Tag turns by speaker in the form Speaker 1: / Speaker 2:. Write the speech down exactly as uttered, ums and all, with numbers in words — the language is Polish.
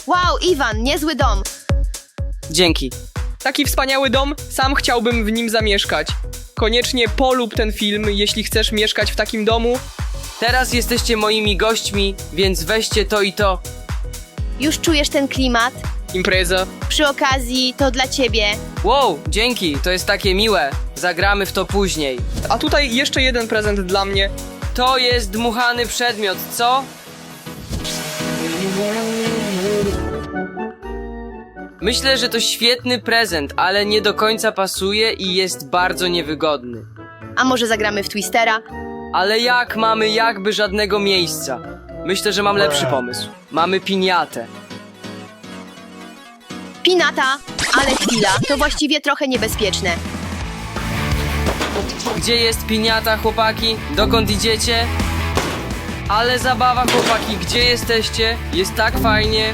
Speaker 1: Wow, Iwan, niezły dom.
Speaker 2: Dzięki.
Speaker 3: Taki wspaniały dom, sam chciałbym w nim zamieszkać. Koniecznie polub ten film, jeśli chcesz mieszkać w takim domu.
Speaker 2: Teraz jesteście moimi gośćmi, więc weźcie to i to.
Speaker 1: Już czujesz ten klimat?
Speaker 3: Impreza.
Speaker 1: Przy okazji, to dla ciebie.
Speaker 2: Wow, dzięki, to jest takie miłe. Zagramy w to później.
Speaker 3: A tutaj jeszcze jeden prezent dla mnie.
Speaker 2: To jest dmuchany przedmiot, co? Myślę, że to świetny prezent, ale nie do końca pasuje i jest bardzo niewygodny.
Speaker 1: A może zagramy w Twistera?
Speaker 2: Ale jak mamy jakby żadnego miejsca? Myślę, że mam lepszy pomysł. Mamy piniatę.
Speaker 1: Pinata, ale chwila, to właściwie trochę niebezpieczne.
Speaker 2: Gdzie jest piniata, chłopaki? Dokąd idziecie? Ale zabawa, chłopaki, gdzie jesteście? Jest tak fajnie.